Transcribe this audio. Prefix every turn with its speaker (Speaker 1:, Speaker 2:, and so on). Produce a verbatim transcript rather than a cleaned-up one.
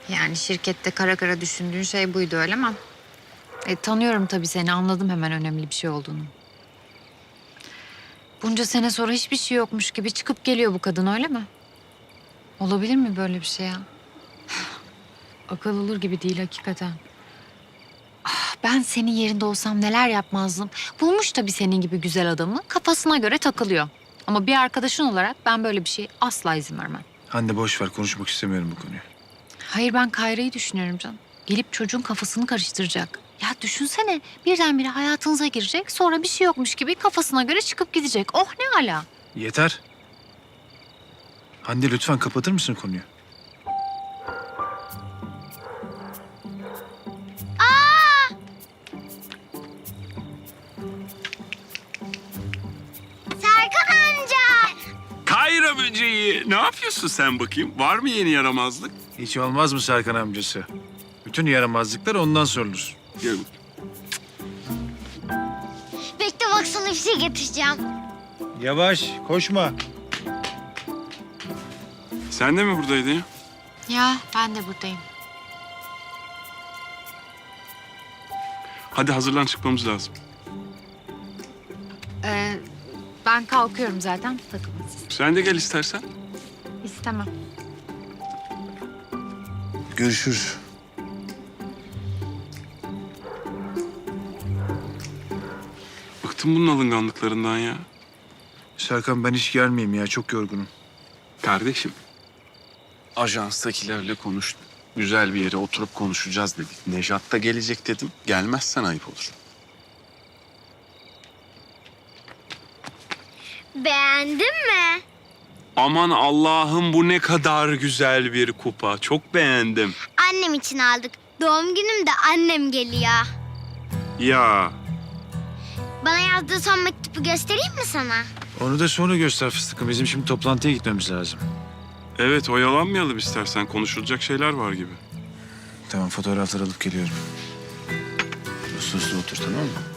Speaker 1: Yani şirkette kara kara düşündüğün şey buydu öyle mi? E, tanıyorum tabii seni, anladım hemen önemli bir şey olduğunu. Bunca sene sonra hiçbir şey yokmuş gibi çıkıp geliyor bu kadın öyle mi? Olabilir mi böyle bir şey ya? Akıl olur gibi değil hakikaten. Ah, ben senin yerinde olsam neler yapmazdım. Bulmuş tabii senin gibi güzel adamı, kafasına göre takılıyor. Ama bir arkadaşın olarak ben böyle bir şey asla izin vermem.
Speaker 2: Hande boş ver, konuşmak istemiyorum bu konuyu.
Speaker 1: Hayır, ben Kayra'yı düşünüyorum canım. Gelip çocuğun kafasını karıştıracak. Ya düşünsene, birdenbire hayatınıza girecek, sonra bir şey yokmuş gibi kafasına göre çıkıp gidecek. Oh ne ala.
Speaker 2: Yeter. Hande lütfen kapatır mısın konuyu?
Speaker 3: Serkan amca.
Speaker 4: Kayra böceği. Ne yapıyorsun sen bakayım? Var mı yeni yaramazlık?
Speaker 2: Hiç olmaz mı Serkan amcası? Bütün yaramazlıklar ondan sorulur.
Speaker 4: Gel.
Speaker 3: Bekle bak sana bir şey getireceğim.
Speaker 2: Yavaş, koşma.
Speaker 4: Sen de mi buradaydın ya?
Speaker 1: Ya ben de buradayım.
Speaker 4: Hadi hazırlan, çıkmamız lazım.
Speaker 1: Ee, ben kalkıyorum zaten, takılın siz.
Speaker 4: Sen de gel istersen.
Speaker 1: İstemem.
Speaker 2: Görüşürüz.
Speaker 4: Bıktım bunun alınganlıklarından ya.
Speaker 2: Serkan ben hiç gelmeyeyim ya, çok yorgunum.
Speaker 4: Kardeşim, ajanstakilerle konuştum. Güzel bir yere oturup konuşacağız dedik. Nejat da gelecek dedim. Gelmezsen ayıp olur.
Speaker 3: Beğendin mi?
Speaker 4: Aman Allah'ım, bu ne kadar güzel bir kupa. Çok beğendim.
Speaker 3: Annem için aldık. Doğum günümde annem geliyor.
Speaker 4: Ya
Speaker 3: Bana yazdığı son mektubu göstereyim mi sana?
Speaker 2: Onu da sonra göster fıstıkım. Bizim şimdi toplantıya gitmemiz lazım.
Speaker 4: evet, oyalanmayalım istersen. Konuşulacak şeyler var gibi.
Speaker 2: Tamam, fotoğraflar alıp geliyorum. Uslu uslu otur, tamam mı?